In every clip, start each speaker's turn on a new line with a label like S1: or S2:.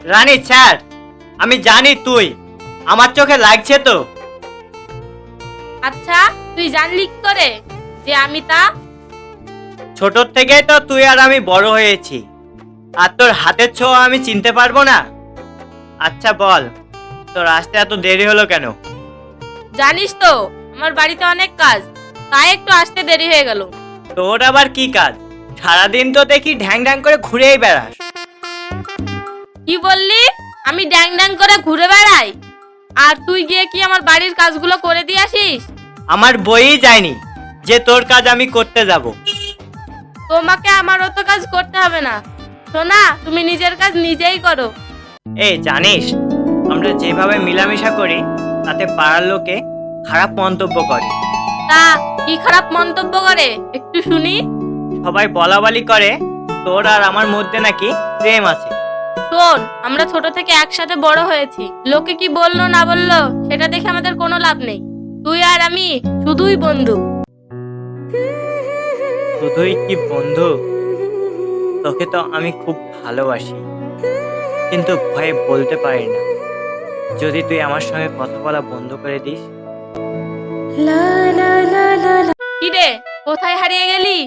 S1: রানী sir, আমি জানি তুই আমার চোখে লাগছে তো।
S2: আচ্ছা, তুই জানলি কি করে যে আমি তা?
S1: ছোট থেকেই তো তুই আর আমি বড় হয়েছি, আর তোর হাতের ছোঁয়া আমি চিনতে পারবো না? আচ্ছা বল, তোর আসতে এত দেরি হলো কেন?
S2: জানিস তো আমার বাড়িতে অনেক কাজ, তাই একটু আসতে দেরি হয়ে গেল।
S1: তোর আবার কি কাজ? সারাদিন তো দেখি ঢ্যাং ঢ্যাং করে ঘুরেই বেড়াস।
S2: কি বললি? আমি ড্যাং ড্যাং করে ঘুরে বেড়াই, আর তুই গিয়ে কি আমার বাড়ির কাজগুলো করে দিয়ে আসিস?
S1: আমার বইই যায়নি যে তোর কাজ আমি করতে যাব।
S2: তোমাকে আমার অত কাজ করতে হবে না, সোনা, তুমি নিজের কাজ নিজেই করো।
S1: এই জানিস, আমরা যেভাবে মিলামিশা করি তাতে পাড়ার লোকে খারাপ মন্তব্য করে।
S2: তা কি খারাপ মন্তব্য করে একটু শুনি।
S1: সবাই বলাবলি করে তোর আর আমার মধ্যে নাকি প্রেম আছে।
S2: শোন, আমরা ছোট থেকে একসাথে বড় হয়েছি, লোকে কি বললো না বললো সেটা দেখে আমাদের কোনো লাভ নেই। তুই আর আমি শুধুই বন্ধু।
S1: শুধুই কি বন্ধু? তোকে তো আমি খুব ভালোবাসি, কিন্তু ভয়ে বলতে পারি না। যদি তুই আমার সঙ্গে কথা বলা বন্ধ করে দিস।
S2: কি রে, কোথায় হারিয়ে গেলি?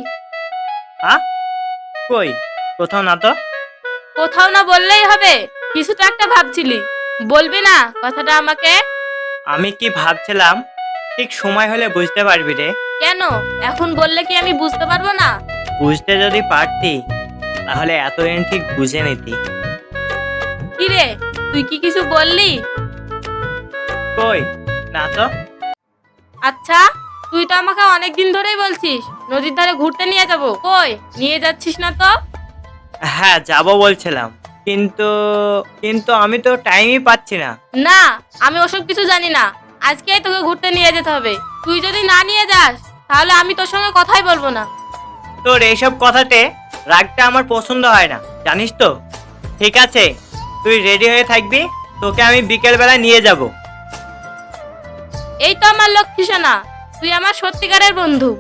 S1: কই, কোথাও না তো।
S2: কোথাও না বললেই হবে, কিছু তো একটা ভাবছিলি, বলবি না কথাটা আমাকে?
S1: আমি কি ভাবছিলাম ঠিক সময় হলে বুঝতে পারবি রে।
S2: কেন এখন বললে কি আমি বুঝতে পারবো না?
S1: বুঝতে যদি পারতি তাহলে এতদিন ঠিক বুঝে নিতি।
S2: কি রে, তুই কি কিছু বললি?
S1: কই না তো।
S2: আচ্ছা, তুই তো আমাকে অনেকদিন ধরেই বলছিস নদীর ধারে ঘুরতে নিয়ে যাব, কই নিয়ে যাচ্ছিস না তো?
S1: হ্যাঁ যাব বলছিলাম, কিন্তু কিন্তু আমি তো টাইমই পাচ্ছি না।
S2: না, আমি ওসব কিছু জানি না, আজকেই তোকে ঘুরতে নিয়ে যেতে হবে। তুই যদি না নিয়ে যাস তাহলে আমি তোর সঙ্গে কথাই বলবো না।
S1: তোর এইসব কথাতে রাগটা আমার পছন্দ হয় না, জানিস তো। ঠিক আছে, তুই রেডি হয়ে থাকবি, তোকে আমি বিকেল বেলা নিয়ে যাব।
S2: এই তো আমার লক্ষ্মী সোনা, তুই আমার সত্যিকারের বন্ধু।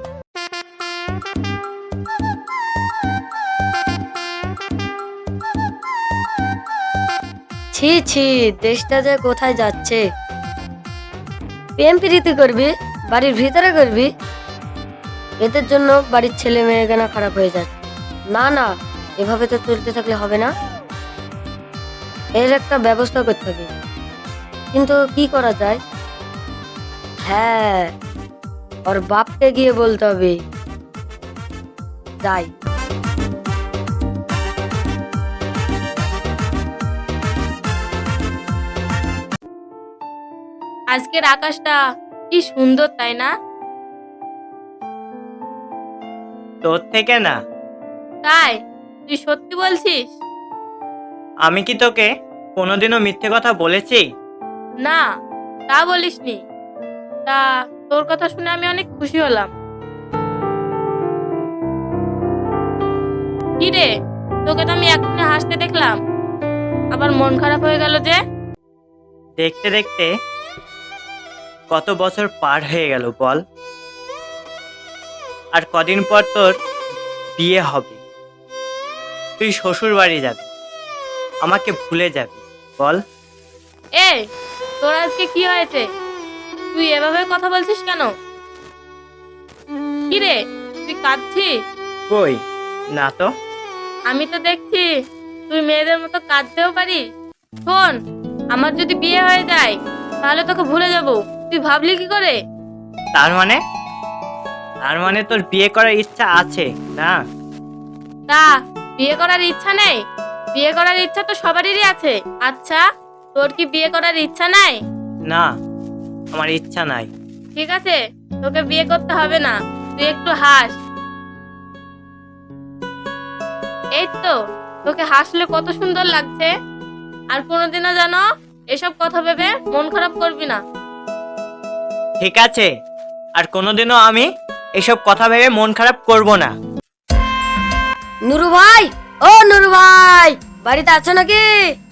S3: ছি ছি, দেশটা যে কোথায় যাচ্ছে। প্রেম প্রীতি করবি, বাড়ির ভিতরে করবি, এদের জন্য বাড়ির ছেলে মেয়ে কেন খারাপ হয়ে যাচ্ছে। না না, এভাবে তো চলতে থাকলে হবে না, এর একটা ব্যবস্থা করতে হবে। কিন্তু কি করা যায়? হ্যাঁ, ওর বাপকে গিয়ে বলতে হবে। যাই।
S2: আজকের আকাশটা কি সুন্দর, তাই না?
S1: তোর থেকে না।
S2: তাই তুই সত্যি বলছিস?
S1: আমি কি তোকে কোনোদিনও মিথ্যে কথা বলেছি?
S2: না, তা বলিসনি। তা তোর কথা শুনে আমি অনেক খুশি হলাম। কি রে, তোকে তো আমি এক্ষুনি হাসতে দেখলাম, আবার মন খারাপ হয়ে গেল যে?
S1: দেখতে দেখতে কত বছর পার হয়ে গেল বল। আর কদিন পর তোর বিয়ে হবে, তুই শ্বশুর বাড়ি যাবি, আমাকে ভুলে যাবি বল।
S2: এই, তোর আজকে কি হয়েছে? তুই এভাবে কথা বলছিস কেন? কি রে, তুই কাঁদছিস?
S1: কই না তো।
S2: আমি তো দেখছি তুই মেয়েদের মতো কাঁদতেও পারিস। শোন, আমার যদি বিয়ে হয়ে যায় তাহলে তোকে ভুলে যাব, তুই ভাবলি কি করে?
S1: তার মানে তোর বিয়ে করার ইচ্ছা আছে না?
S2: তা বিয়ে করার ইচ্ছা নেই? বিয়ে করার ইচ্ছা তো সবারই আছে। আচ্ছা, তোর কি বিয়ে করার ইচ্ছা নাই?
S1: না, আমার ইচ্ছা নাই।
S2: ঠিক আছে, তোকে বিয়ে করতে হবে না, তুই একটু হাস। এই তো, তোকে হাসলে কত সুন্দর লাগছে। আর কোনোদিনও জানো এসব কথা ভেবে মন খারাপ করবি না।
S1: ঠিক আছে, আর কোনোদিনও আমি এসব কথা ভেবে মন খারাপ করব না।
S3: নুরু ভাই, ও নুরু ভাই, বাড়িতে আছো নাকি?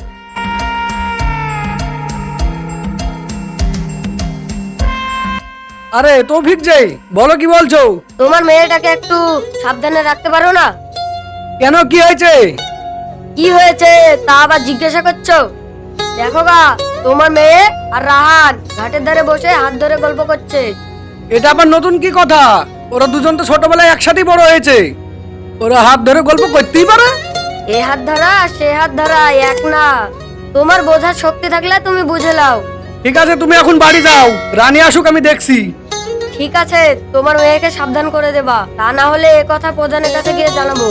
S4: আরে তৌফিক যে, বলো কি বলছো?
S3: তোমার মেয়েটাকে একটু সাবধানে রাখতে পারো না?
S4: কেন, কি হয়েছে?
S3: কি হয়েছে তা আবার জিজ্ঞাসা করছো? দেখো গা, তোমার মেয়ে আর রাহান ঘাটের ধারে বসে হাত ধরে গল্প করছে।
S4: এটা আবার নতুন কি কথা? ওরা দুজন তো ছোটবেলায় একসাথেই বড় হয়েছে। ওরা হাত ধরে গল্প করতেই পারে।
S3: এ হাত ধরা সে হাত ধরা এক না। তোমার বোঝার শক্তি থাকলে তুমি বুঝে নাও।
S4: ঠিক আছে, তুমি এখন বাড়ি যাও, রানী আসুক, আমি দেখছি।
S3: ঠিক আছে, তোমার মেয়েকে সাবধান করে দেবা, তা না হলে এ কথা প্রধানের কাছে গিয়ে জানাবো।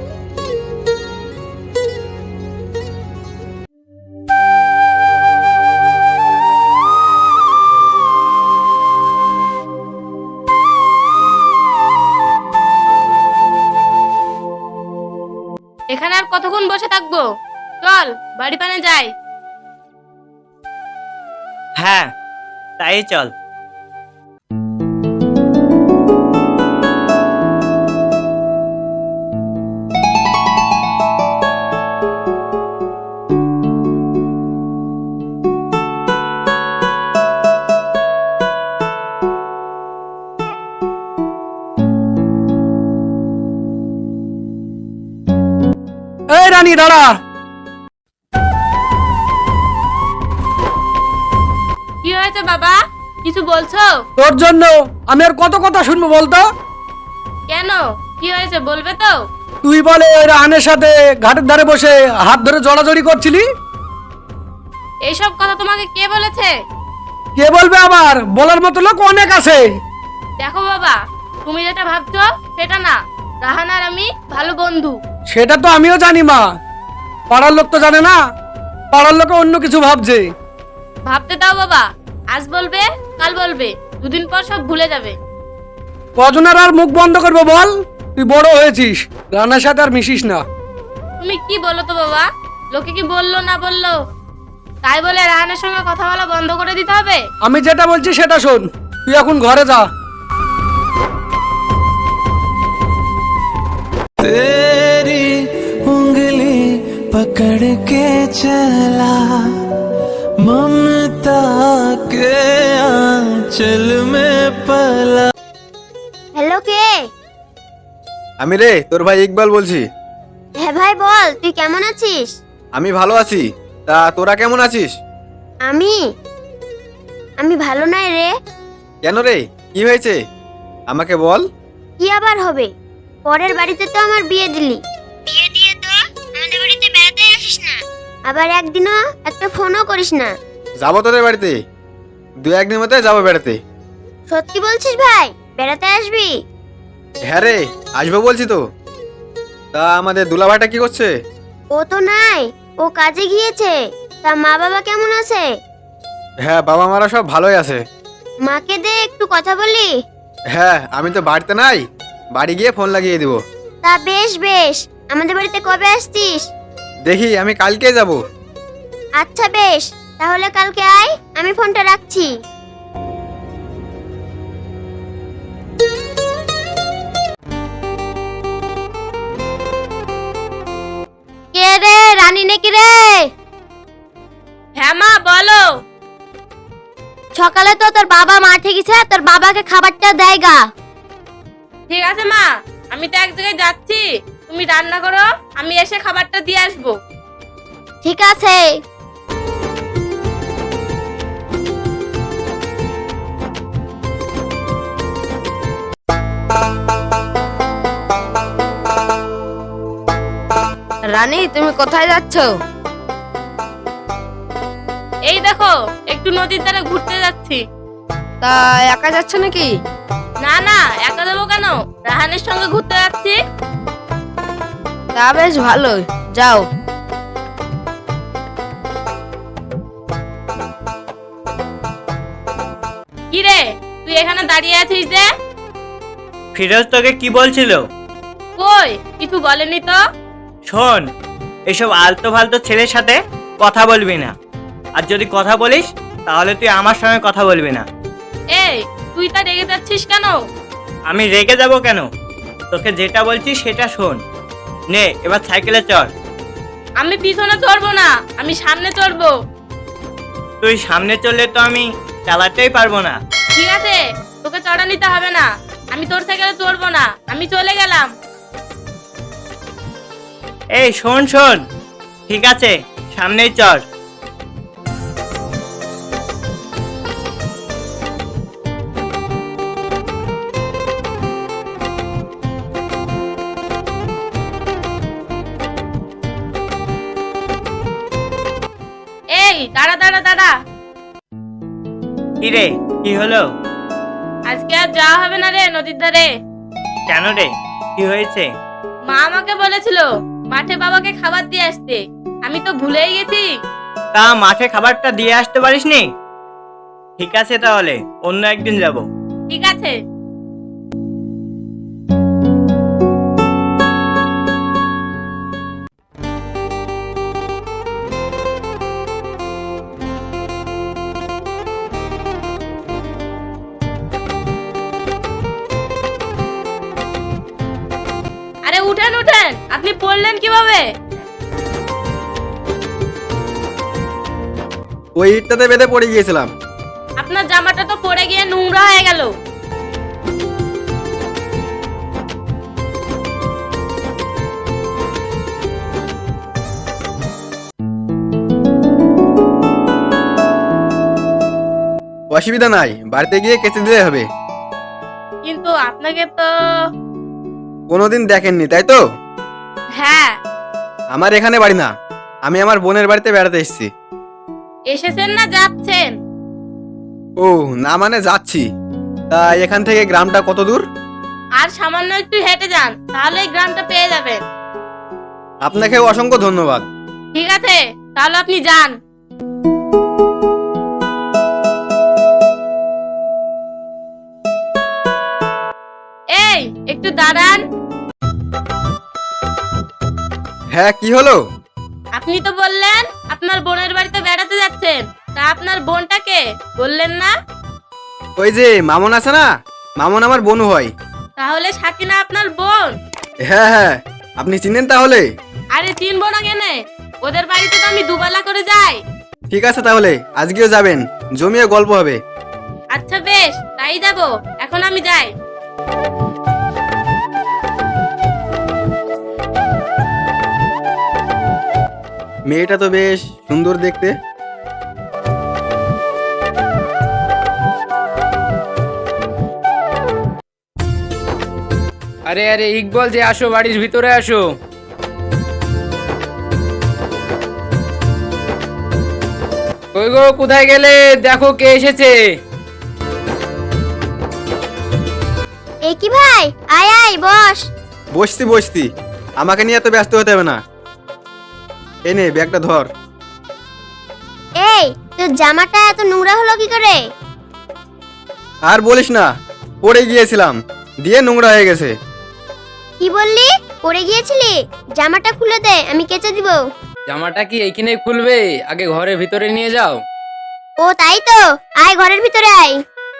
S2: এখানে আর কতক্ষণ বসে থাকবো? চল বাড়ি পানে যাই।
S1: হ্যাঁ, তাই চল।
S4: এই রানী দাঁড়া।
S2: কি হয়েছে বাবা, কিছু বলছো?
S4: তোর জন্য আমি আর কত কথা শুনবো বলতো?
S2: কেন, কি হয়েছে বলবে তো?
S4: তুই বলে ওই রাহানের সাথে ঘাটের ধারে বসে হাত ধরে জড়াজড়ি করছিলি।
S2: এইসব কথা তোমাকে কে বলেছে?
S4: কে বলবে আবার? বলার মতো লোক অনেক আছে।
S2: দেখো বাবা, তুমি যেটা ভাবছো সেটা না। রাহান আর আমি ভালো বন্ধু।
S4: সেটা তো আমিও জানি মা, পাড়ার লোক তো জানে না। পাড়ার লোকে অন্য কিছু ভাবছে।
S2: ভাবতে দাও বাবা, আজ বলবে কাল বলবে, দুদিন পর সব ভুলে যাবে।
S4: কজনের আর মুখ বন্ধ করবো বল? তুই বড় হয়েছিস, রান্নার সাথে আর মিশিস না।
S2: তুমি কি বলো তো বাবা, লোকে কি বললো না বললো তাই বলে রাহানের সঙ্গে কথা বলা বন্ধ করে দিতে হবে?
S4: আমি যেটা বলছি সেটা শোন, তুই এখন ঘরে যা।
S5: तेरी उंगली पकड़ के चला ममता के आंचल में पला।
S6: হ্যালো, কে?
S7: আমি রে, তোর ভাই ইকবাল বলছি।
S6: হ্যাঁ ভাই বল, তুই কেমন আছিস?
S7: আমি ভালো আছি, তা তোরা কেমন আছিস?
S6: আমি আমি ভালো নাই রে।
S7: কেন রে, কি হয়েছে আমাকে বল।
S6: কি আবার হবে? পরের বাড়িতে তো আমার বিয়ে দিলি, বিয়ে দিয়ে তো আমাদের বাড়িতে বেড়াতে আসিস না, আবার একদিনও একটা ফোনও করিস না।
S7: যাবো তোদের বাড়িতে, দু একদিনের মধ্যে যাবো বেড়াতে।
S6: সত্যি বলছিস ভাই, বেড়াতে আসবি?
S7: হ্যাঁ রে, আসবো বলছি তো। তা আমাদের দুলা ভাইটা কি করছে?
S6: ও তো নাই, ও কাজে গিয়েছে। তা মা বাবা কেমন আছে?
S7: হ্যাঁ, বাবা মারা সব ভালোই আছে।
S6: মাকে দে একটু কথা বলি।
S7: হ্যাঁ, আমি তো বাড়িতে নাই, বাড়ি গিয়ে ফোন লাগিয়ে দিব।
S6: তা বেশ বেশ, আমাদের বাড়িতে কবে আসছিস?
S7: দেখি, আমি কালকে যাব।
S6: আচ্ছা বেশ, তাহলে কালকে আয়, আমি ফোনটা রাখছি। কে রে, রানী নাকি রে?
S2: হ্যাঁ মা বলো।
S6: সকালে তো তোর বাবা মাঠে গেছে, তোর বাবাকে খাবারটা দেয় গা।
S2: ঠিক আছে মা, আমি তো এক জায়গায় যাচ্ছি, তুমি রান্না করো, আমি এসে খাবারটা দিয়ে আসবো।
S6: ঠিক আছে।
S3: রানী, তুমি কোথায় যাচ্ছ?
S2: এই দেখো, একটু নদীর ধারে ঘুরতে যাচ্ছি।
S3: তা একা যাচ্ছ নাকি?
S2: না না, একা যাবো কেন, রাহানের সঙ্গে ঘুরতে যাচ্ছি।
S3: তা বেশ ভালো, যাও।
S2: কি রে, তুই এখানে দাঁড়িয়ে আছিস যে?
S1: ফিরোজ তোকে কি বলছিল?
S2: কই, কিছু বলেনি তো।
S1: শোন, এসব আলতো ফালতো ছেলের সাথে কথা বলবি না, আর যদি কথা বলিস তাহলে তুই আমার সঙ্গে কথা বলবি না।
S2: এই, তুই তা রেগে যাচ্ছিস কেন?
S1: আমি রেগে যাব কেন? তোকে যেটা বলছি সেটা শোন। নে, এবার সাইকেলে চড়।
S2: আমি পিছনে চড়বো না, আমি সামনে চড়বো।
S1: তুই সামনে চললে তো আমি চালাতেই পারবো না।
S2: ঠিক আছে, তোকে চড়া নিতে হবে না, আমি তোর সাইকেলে চড়বো না, আমি চলে গেলাম।
S1: এই শোন শোন, ঠিক আছে, সামনেই চল।
S2: এই দাঁড়া দাঁড়া দাঁড়া,
S1: কি রে, কি হলো?
S2: আজকে আর যাওয়া হবে না রে নদীর ধারে।
S1: কেন রে, কি হয়েছে?
S2: মা আমাকে বলেছিল মাঠে বাবাকে খাবার দিয়ে আসতে, আমি তো ভুলেই গেছি।
S1: তা মাঠে খাবারটা দিয়ে আসতে পারিসনি? ঠিক আছে, তাহলে অন্য একদিন যাব।
S2: ঠিক আছে। আরে উঠেন উঠেন, আপনি পড়লেন কিভাবে?
S7: ওই ইটটাতে বেঁধে পড়ে গিয়েছিলাম।
S2: আপনার জামাটা তো পড়ে গিয়ে নোংরা হয়ে গেল।
S7: অসুবিধা নাই, বাড়িতে গিয়ে কেচে দিলে হবে।
S2: কিন্তু আপনাকে তো।
S7: কোনোদিন দেখেননি তাই তো?
S2: হ্যাঁ।
S7: আমার এখানে বাড়ি না, আমি আমার বোনের বাড়িতে বেড়াতে এসেছি।
S2: এসেছেন না যাচ্ছেন?
S7: ও না, মানে যাচ্ছি। তা এখান থেকে গ্রামটা কত দূর?
S2: আর সামান্য একটু হেঁটে যান, তাহলে এই গ্রামটা পেয়ে যাবেন।
S7: আপনাকে অসংখ্য ধন্যবাদ।
S2: ঠিক আছে, তাহলে আপনি যান। এই একটু দাঁড়ান।
S7: হ্যাঁ, কি হলো?
S2: আপনি তো বললেন আপনার বোনের বাড়িতে বেড়াতে যাচ্ছেন, তা আপনার বোনটাকে বললেন না?
S7: ওই যে মামন আছে না, মামন আমার বোন হয়।
S2: তাহলে সাকিনা আপনার বোন?
S7: হ্যাঁ হ্যাঁ, আপনি চিনেন তাহলে?
S2: আরে চিনবো না কেনে, ওদের বাড়িতে তো আমি দুবেলা করে যাই।
S7: ঠিক আছে, তাহলে আজকেও যাবেন, জমিয়ে গল্প হবে।
S2: আচ্ছা বেশ, তাই যাব। এখন আমি যাই।
S7: মেয়েটা তো বেশ সুন্দর দেখতে।
S8: আরে আরে ইকবল, যে আসো, বাড়ির ভিতরে আসো। কই গো, কোথায় গেলে? দেখো কে এসেছে।
S6: এ কি ভাই, আয় আয় বস।
S7: বসতি বসতি, আমাকে নিয়ে এত ব্যস্ত হতে হবে না। এই নে ব্যাগটা ধর।
S6: এই তোর জামাটা এত নোংরা হলো কি করে?
S7: আর বলিস না, পড়ে গিয়েছিলাম, দিয়ে নোংরা হয়ে গেছে।
S6: কি বললি, পড়ে গিয়েছিলি? জামাটা খুলে দে, আমি কেচে দিব।
S8: জামাটা কি এইখানে খুলবে? আগে ঘরের ভিতরে নিয়ে যাও।
S6: ও তাই তো, আয় ঘরের ভিতরে আয়।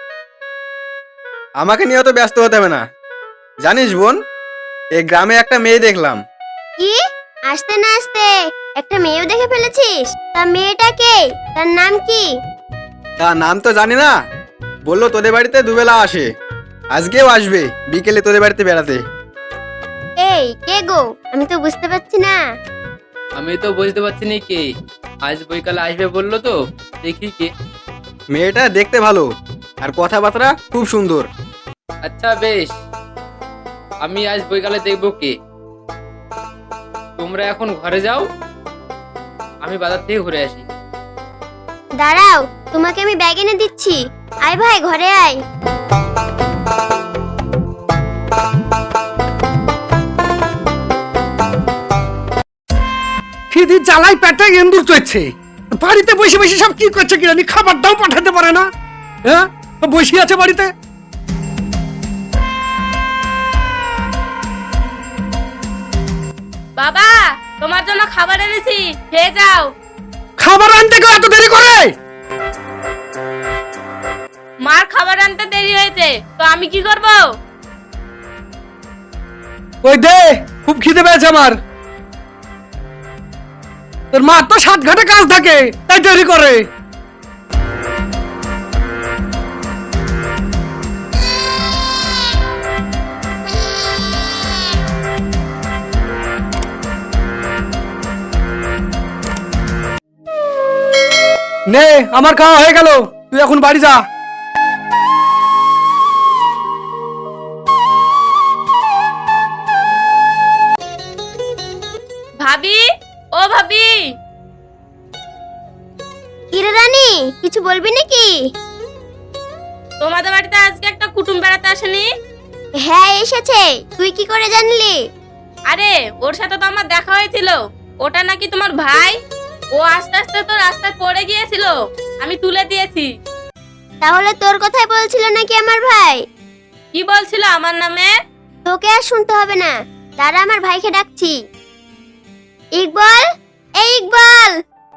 S7: আমাকে নিয়ে অত ব্যস্ত হতে হবে না। জানিস বোন, এই গ্রামে একটা মেয়ে দেখলাম।
S6: কি? আসতে না আসতে একটা মেয়েও দেখে ফেলেছিস? তা মেয়েটা কে? তার নাম কি?
S7: তার নাম তো জানি না, বললো তোদের বাড়িতে দুবেলা আসে, আজকেও আসবে বিকেলে তোদের বাড়িতে বেড়াতে।
S6: এই কে গো? আমি তো বুঝতে পারছি না।
S8: আমি তো বুঝতে পারছি না কে। আজ বৈকালে আসবে বললো তো, দেখি কে।
S7: মেয়েটা দেখতে ভালো আর কথাবার্তা খুব সুন্দর।
S8: আচ্ছা বেশ, আমি আজ বৈকালে দেখবো কে। তোমরা এখন ঘরে যাও, আমি বাজার থেকে ঘুরে আসি।
S6: দাঁড়াও, তোমাকে আমি ব্যাগ এনে দিচ্ছি। আয় ভাই ঘরে আয়।
S4: খিদি জ্বালাই পেটে এন্দুর চড়ছে। বাড়িতে বসে বসে সব কি করছে কি জানি, খাবার দাও পাঠাতে পারে না। হ্যাঁ, বসে আছে বাড়িতে।
S2: বাবা, তোমার জন্য খাবার এনেছি, খেয়ে যাও।
S4: খাবার আনতে কেউ এত দেরি করে?
S2: মার খাবার আনতে দেরি হয়েছে, তো আমি কি করব?
S4: ওই দে, খুব খিদে পেয়েছে আমার। তোর মা তো 7 ঘাটে কাজ থাকে, তাই দেরি করে। নে আমার খাওয়া হয়ে গেল, তুই এখন বাড়ি যা।
S2: ভাবি, ও ভাবি,
S6: কিরে রানী, কিছু বলবি নাকি?
S2: তোমাদের বাড়িতে আজকে একটা কুটুম বেড়াতে আসেনি?
S6: হ্যাঁ এসেছে, তুই কি করে জানলি?
S2: আরে ওর সাথে তো আমার দেখা হয়েছিল। ওটা নাকি তোমার ভাই। ও আস্তে আস্তে তো রাস্তায় পড়ে গিয়েছিল, আমি তুলে দিয়েছি।
S6: তাহলে তোর কথাই বলছিল নাকি আমার ভাই?
S2: কি বলছিল আমার নামে?
S6: তোকে আর শুনতে হবে না, দাঁড়া আমার ভাইকে ডাকছি। ইকবাল, এই ইকবাল।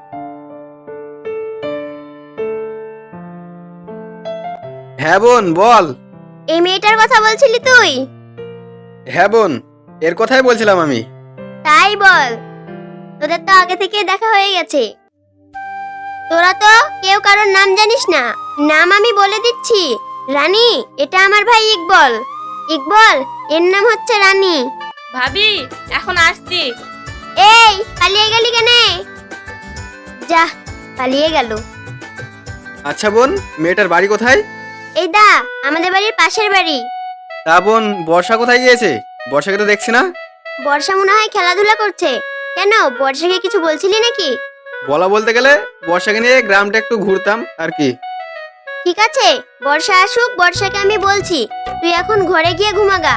S7: হ্যাঁ বোন বল।
S6: এই মেয়েটার কথা বলছিলি তুই?
S7: হ্যাঁ বোন, এর কথাই বলছিলাম আমি।
S6: তাই বল, তোদের তো আগে থেকে দেখা হয়ে গেছে। তোরা তো কেউ কারোর নাম জানিস না, নাম আমি বলে দিচ্ছি। রানী, এটা আমার ভাই ইকবাল। ইকবাল, এর নাম হচ্ছে রানী।
S2: ভাবি, এখন আসছি।
S6: এই পালিয়ে গেলি কেনে? যা, পালিয়ে গেল।
S7: আচ্ছা বোন, মেয়েটার বাড়ি কোথায়?
S6: এই দা, আমাদের বাড়ির পাশের বাড়ি।
S7: তা বোন, বর্ষা কোথায় গিয়েছে? বর্ষাকে তো দেখছি না।
S6: বর্ষা মনে হয় খেলাধুলা করছে। কেন, বর্ষাকে কিছু বলছিলি নাকি?
S7: বলা বলতে গেলে বর্ষাকে নিয়ে গ্রামটা একটু ঘুরতাম আর কি।
S6: ঠিক আছে, বর্ষা আসুক, বর্ষাকে আমি বলছি। তুই এখন ঘরে গিয়ে ঘুমাগা।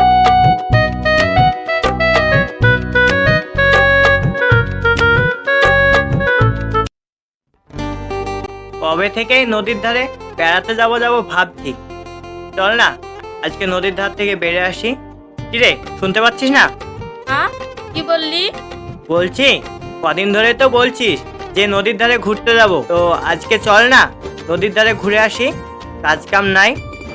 S1: কবে থেকেই নদীর ধারে বেড়াতে যাব ভাবছি। চল না আজকে নদীর ধার থেকে বেড়ে আসি। কিরে, শুনতে পাচ্ছিস না?
S2: হ্যাঁ, কি বললি?
S1: বলছি কদিন ধরে তো বলছিস যে নদীর ধারে ঘুরতে যাব, তো আজকে চল না নদীর ধারে ঘুরে আসি, কাজ কাম নাই।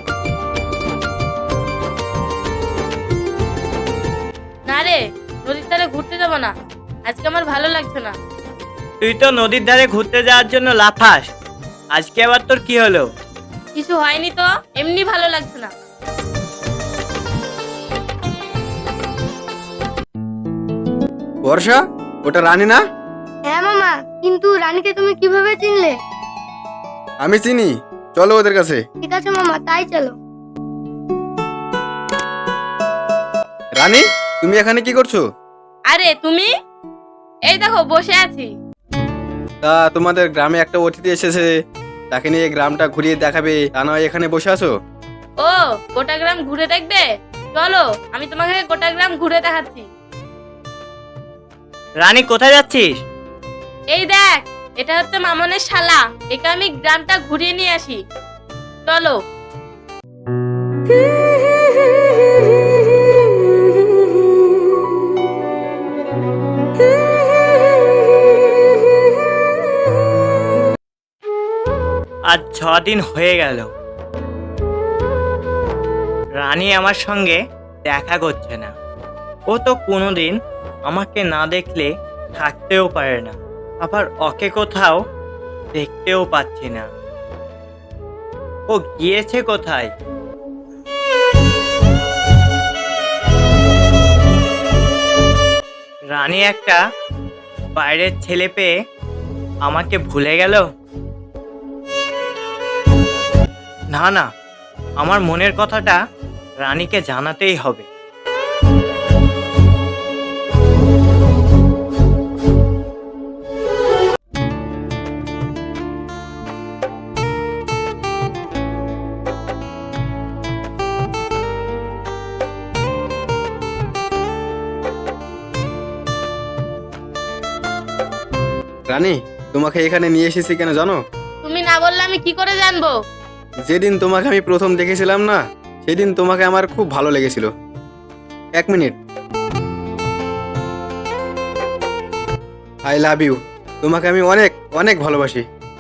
S2: না রে, নদীর ধারে ঘুরতে যাব না, আজকে আমার ভালো লাগছে না।
S1: তুই তো নদীর ধারে ঘুরতে যাওয়ার জন্য লাফাস, আজকে আবার তোর কি হলো?
S2: কিছু হয়নি তো, এমনি ভালো লাগছে না।
S7: বর্ষা, ওটা রানী না?
S3: হ্যাঁ মামা, কিন্তু রানীকে তুমি কিভাবে চিনলে?
S7: আমি চিনি, চলো ওদের কাছে।
S3: ঠিক আছে মামা, তাই চলো।
S7: রানী, তুমি এখানে কি করছো?
S2: আরে তুমি, এই দেখো বসে আছি।
S7: তা তোমাদের গ্রামে একটা অতিথি এসেছে, তাকে নিয়ে গ্রামটা ঘুরিয়ে দেখাবে, তা নয় এখানে বসে আছো?
S2: ও, গোটা গ্রাম ঘুরে দেখবে? চলো, আমি তোমাকে গোটা গ্রাম ঘুরে দেখাচ্ছি।
S1: রানী, কোথায় যাচ্ছিস?
S2: এই দেখ, এটা হচ্ছে মামনের শালা, একে আমি গ্রামটা ঘুরিয়ে নিয়ে আসি। চলো।
S1: আজ 6 দিন হয়ে গেল, রানী আমার সঙ্গে দেখা করছে না। ও তো কোনোদিন আমাকে না দেখলে থাকতেও পারে না, আবার ওকে কোথাও দেখতেও পাচ্ছি না। ও গিয়েছে কোথায়? রানী একটা বাইরের ছেলে পেয়ে আমাকে ভুলে গেল? না না, আমার মনের কথাটা রানীকে জানাতেই হবে।
S7: রানী, তোমাকে এখানে নিয়ে এসেছি কেন জানো?
S2: তুমি না বললে আমি কি করে জানবো?
S7: যেদিন তোমাকে আমি প্রথম দেখেছিলাম না, সেদিন তোমাকে আমার খুব ভালো লেগেছিল। 1 মিনিট। I love you. তোমাকে আমি অনেক অনেক ভালোবাসি।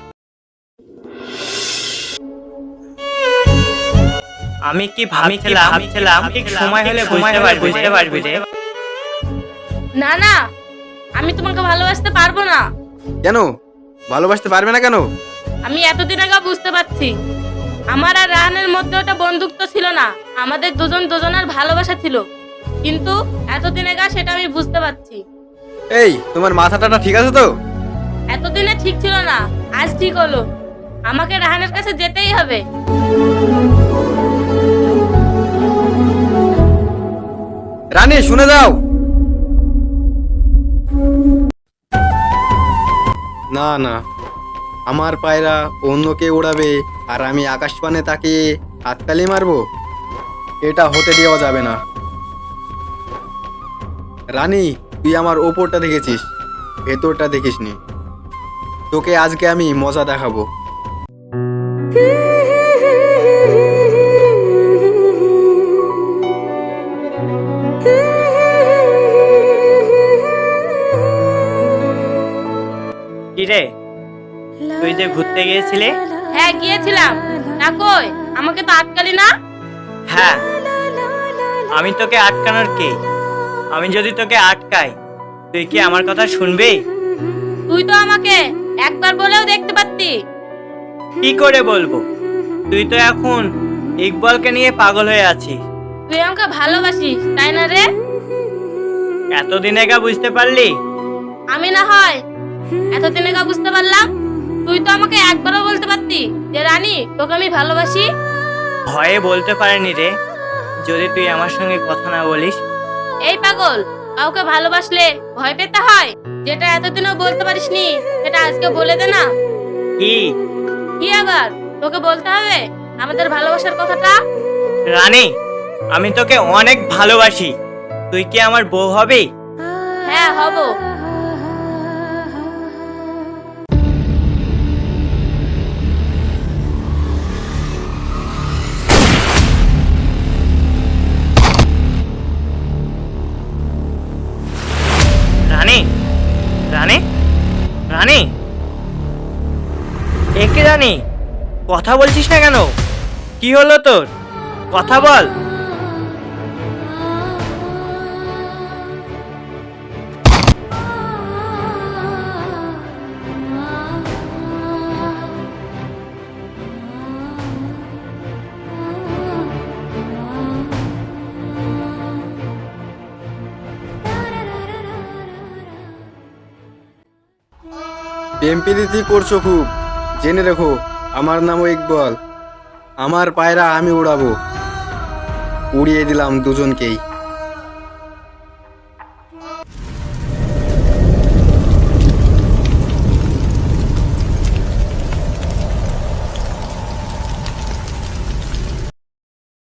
S1: আমি কি ভাবছিলাম ঠিক সময় হলে বুঝতে পারবি রে।
S2: না না, আমি তোমাকে ভালোবাসতে পারবো না।
S7: কেন ভালোবাসতে পারবে না কেন?
S2: আমি এতদিন আগে বুঝতে পারছি, আমার আর রাহানের মধ্যে ওটা বন্ধুত্ব ছিল না, আমাদের দুজনের ভালোবাসা ছিল। কিন্তু এতদিন আগে সেটা আমি বুঝতে পারছি।
S7: এই, তোমার মাথাটা ঠিক আছে তো?
S2: এতদিনে ঠিক ছিল না, আজ ঠিক হলো। আমাকে রাহানের কাছে যেতেই হবে।
S7: রানী শুনে যাও। না না, আমার পায়রা অন্য কে উড়াবে আর আমি আকাশপানে তাকিয়ে হাততালি মারবো? এটা হতে দেওয়া যাবে না। রানী, তুই আমার ওপরটা দেখেছিস, ভেতরটা দেখিসনি। তোকে আজকে আমি মজা দেখাবো।
S1: কিরে, তুই যে ঘুরতে গিয়েছিলে?
S2: হ্যাঁ গিয়েছিলাম। না কই, আমাকে তো আটকালি না।
S1: হ্যাঁ, আমি তোকে আটকানোর কে? আমি যদি তোকে আটকাই, তুই কি আমার কথা শুনবি?
S2: তুই তো আমাকে একবার বলেও দেখতে পারতি।
S1: কি করে বলবো? তুই তো এখন ইকবালকে নিয়ে পাগল হয়ে আছিস।
S2: তুই আমাকে ভালোবাসিস, তাই না রে?
S1: এতদিন একা বুঝতে পারলি?
S2: আমি না হয় এতদিনে কা বুঝতে পারলাম। তুই তো আমাকে একবারও বলতে পারতি যে রানী, তোকে আমি ভালোবাসি।
S1: ভয়ে বলতে পারিনি রে, যদি তুই আমার সঙ্গে কথা না বলিস।
S2: এই পাগল, কাউকে ভালোবাসলে ভয় পেতে হয়? যেটা এতদিনও বলতে পারিসনি, সেটা আজকে বলে দে না।
S1: কি?
S2: কি আবার তোকে বলতে হবে আমাদের ভালোবাসার কথাটা?
S1: রানী, আমি তোকে অনেক ভালোবাসি। তুই কি আমার বউ হবি?
S2: হ্যাঁ হব।
S1: রানী, রানী, রানী, একে রানী, কথা বলছিস না কেন? কি হলো তোর? কথা বল।
S7: প্রেম প্রীতি করছো খুব, জেনে রেখো আমার নামও ইকবাল। আমার পায়রা আমি উড়াবো। উড়িয়ে দিলাম দুজনকেই।